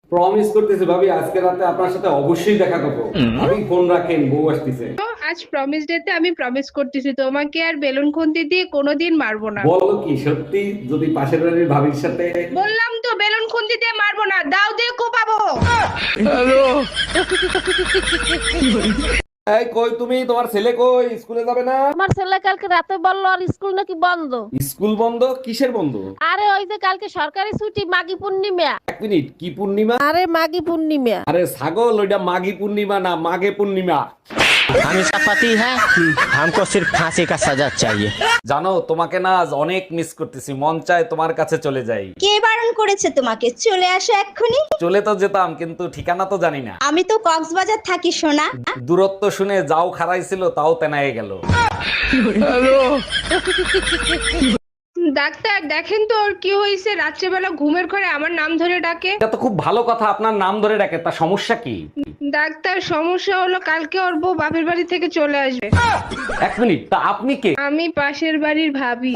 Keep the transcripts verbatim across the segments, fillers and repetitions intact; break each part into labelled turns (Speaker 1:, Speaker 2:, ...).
Speaker 1: Promise করতেছি ভাবি আজকে রাতে আপনার সাথে অবশ্যই দেখা করবো। ভাবি ফোন রাখেন, বউ আসতেছে।
Speaker 2: আজ প্রমিস ডেতে আমি প্রমিস করতেছি তোমাকে আর বেলুন খুন্তি দিয়ে কোনোদিন মারবো না।
Speaker 1: বলো কি সত্যি? যদি পাশের বাড়ির ভাবির সাথে।
Speaker 2: বললাম তো বেলুন খুন্তি দিয়ে মারবো না, দাও দিয়ে কোপাবো।
Speaker 1: এই কই তুমি? তোমার ছেলে কই? স্কুলে যাবে না?
Speaker 3: আমার ছেলে কালকে রাতে বললো আর স্কুল নাকি বন্ধ।
Speaker 1: স্কুল বন্ধ? কিসের বন্ধ?
Speaker 3: আরে ওই যে কালকে সরকারি ছুটি, মাঘী পূর্ণিমা।
Speaker 1: এক মিনিট, কি পূর্ণিমা?
Speaker 3: আরে মাঘী পূর্ণিমা।
Speaker 1: আরে ছাগল, ওইটা মাঘী পূর্ণিমা না, মাঘে পূর্ণিমা।
Speaker 4: हम इसका पति है, हमको सिर्फ फांसी का सजा चाहिए।
Speaker 1: জানো তোমাকে না আজ অনেক মিস করতেছি, মন চায় তোমার কাছে চলে যাই।
Speaker 5: কে বারণ করেছে তোমাকে? চলে আসো এক্ষুনি।
Speaker 1: চলে তো যেতাম, কিন্তু ঠিকানা তো জানি না।
Speaker 5: আমি তো কক্সবাজার থাকি সোনা।
Speaker 1: দূরত্ব শুনে যাও খারাইছিল, তাও তেনায়ে গেল।
Speaker 2: ডাক্তার দেখেন তো ওর কি হয়েছে, রাত্রেবেলা ঘুমের ঘরে আমার নাম ধরে ডাকে।
Speaker 1: এটা তো খুব ভালো কথা, আপনার নাম ধরে ডাকে, তা সমস্যা কি?
Speaker 2: ডাক্তার সমস্যা হলো কালকে ওর বউ বাপের বাড়ি থেকে চলে আসবে।
Speaker 1: এক মিনিট, তা আপনি কে?
Speaker 2: আমি পাশের বাড়ির ভাবি।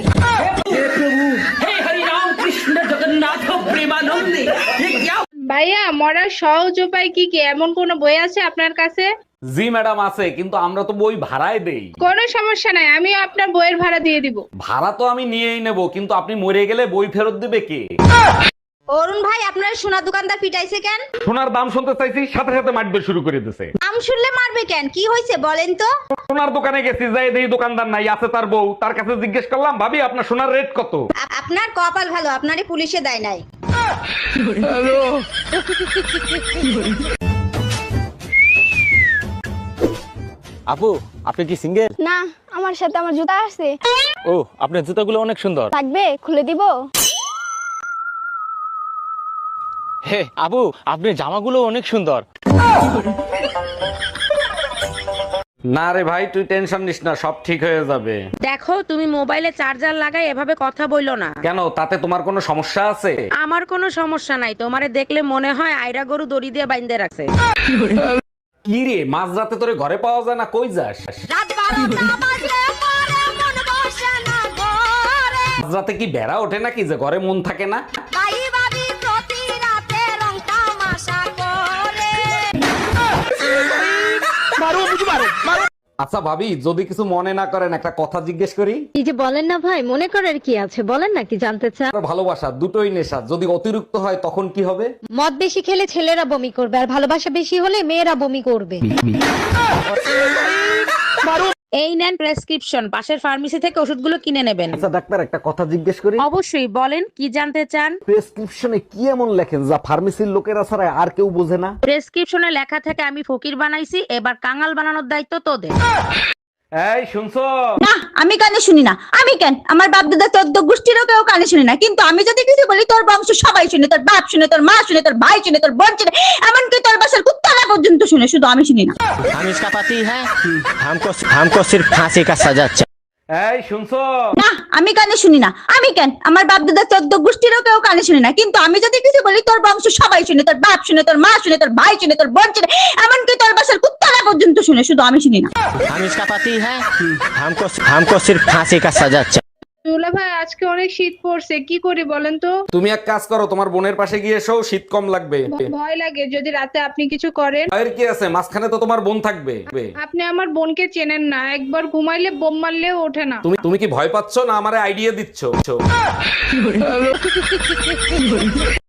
Speaker 2: ভাইয়া মরার সহজ উপায় কি কি, এমন কোন বই আছে আপনার কাছে?
Speaker 1: জি ম্যাডাম আছে, কিন্তু আমরা তো বই ভাড়ায় দেই।
Speaker 2: কোনো সমস্যা নাই, আমি আপনার বইয়ের ভাড়া দিয়ে দিব।
Speaker 1: ভাড়া তো আমি নিয়েই নেব, কিন্তু আপনি মরে গেলে বই ফেরত দিবে কে?
Speaker 5: অরুণ ভাই, আপনার সোনা দোকানদার পিটাইছে কেন?
Speaker 1: সোনার দাম শুনতে চাইছি, সাথে সাথে মারবে শুরু করে দিছে।
Speaker 5: আম শুনলে মারবে কেন? কি হয়েছে বলেন তো?
Speaker 1: সোনার দোকানে গেছি, যাই দেখি দোকানদার নাই, আছে তার বউ। তার কাছে জিজ্ঞেস করলাম, ভাবি আপনার সোনার রেট কত?
Speaker 5: আ- আপনার কপাল ভালো, আপনারই পুলিশে দেয় নাই।
Speaker 4: আপু, আপনি কি সিঙ্গেল?
Speaker 6: না, আমার সাথে আমার জুতা আছে।
Speaker 4: ও, আপনার জুতাগুলো অনেক সুন্দর।
Speaker 6: থাকবে? খুলে দিব?
Speaker 4: হে আপু, আপনার জামাগুলো অনেক সুন্দর।
Speaker 1: না রে ভাই, তুই টেনশন নিস না, সব ঠিক হয়ে যাবে।
Speaker 7: দেখো তুমি মোবাইলে চার্জার লাগাই এভাবে কথা বইলো না।
Speaker 1: কেন, তাতে তোমার কোনো সমস্যা আছে?
Speaker 7: আমার কোনো সমস্যা নাই, তোমারে দেখলে মনে হয় আইরা গরু দড়ি দিয়ে বাইন্ধে রাখছে।
Speaker 1: কি রে, মাঝ রাতে তোরে ঘরে পাওয়া যায় না, কই যাস? মাঝ রাতে কি বেড়া ওঠে নাকি যে ঘরে মন থাকে না? আচ্ছা ভাবি, যদি কিছু মনে না করেন একটা কথা জিজ্ঞেস করি।
Speaker 3: কি যে বলেন না ভাই, মনে করার কি আছে, বলেন না কি জানতে চান।
Speaker 1: আর ভালোবাসা দুটোই নেশা, যদি অতিরিক্ত হয় তখন কি হবে?
Speaker 3: মদ বেশি খেলে ছেলেরা বমি করবে, আর ভালোবাসা বেশি হলে মেয়েরা বমি করবে।
Speaker 7: এই নেন প্রেসক্রিপশন, পাশের ফার্মেসি থেকে ওষুধগুলো কিনে নেবেন।
Speaker 1: আচ্ছা ডাক্তার, একটা কথা জিজ্ঞেস করি।
Speaker 7: অবশ্যই বলেন, কি জানতে চান?
Speaker 1: প্রেসক্রিপশনে কি এমন লেখেন যা ফার্মেসির লোকেরা ছাড়া আর কেউ বোঝে না?
Speaker 7: প্রেসক্রিপশনে লেখা থাকে আমি ফকির বানাইছি, এবার কাঙাল বানানোর দায়িত্ব তোদের।
Speaker 1: এই শুনছো?
Speaker 5: না, আমি কানে শুনি না। আমি কেন? আমার বাপ দাদা চোদ্দ গোষ্ঠীরও কেউ কানে শুনি না, কিন্তু আমি যদি কিছু বলি তোর বংশ সবাই শুনে, তোর বাপ শুনে, তোর মা শুনে, তোর ভাই শুনে, তোর বোন শুনে, এমনকি তোর বাসার কুত্তারা পর্যন্ত শুনে, শুধু আমি শুনি না।
Speaker 4: हम इसका पति है, हमको हमको सिर्फ फांसी का सजा चाहिए।
Speaker 1: এই শুনছো?
Speaker 5: না, আমি কানে শুনি না। আমি কেন? আমার বাপ দাদা চোদ্দ গোষ্ঠীরও কেউ কানে শুনি না, কিন্তু আমি যদি কিছু বলি তোর বংশ সবাই শুনে, তোর বাপ শুনে, তোর মা শুনে, তোর ভাই শুনে, তোর বোন শুনে, এমনকি তোর বাসার কুত্তারা পর্যন্ত শুনে, শুধু আমি শুনি না।
Speaker 4: हम इसका पति है, हमको हमको सिर्फ फांसी का सजा चाहिए।
Speaker 2: দুলা ভাই আজকে অনেক শীত পড়ছে, কি করি বলেন তো?
Speaker 1: তুমি এক কাজ করো, তোমার বোনের পাশে গিয়ে এসো, শীত কম লাগবে।
Speaker 2: ভ- ভয় লাগে যদি রাতে আপনি কিছু করেন।
Speaker 1: আর কি আছে, মাঝখানে তো তোমার বোন থাকবে।
Speaker 2: আপনি আমার বোনকে চেনেন না, একবার ঘুমাইলে বোম মারলেও ওঠে না।
Speaker 1: তুমি তুমি কি ভয় পাচ্ছ না আমারে আইডিয়া দিচ্ছ?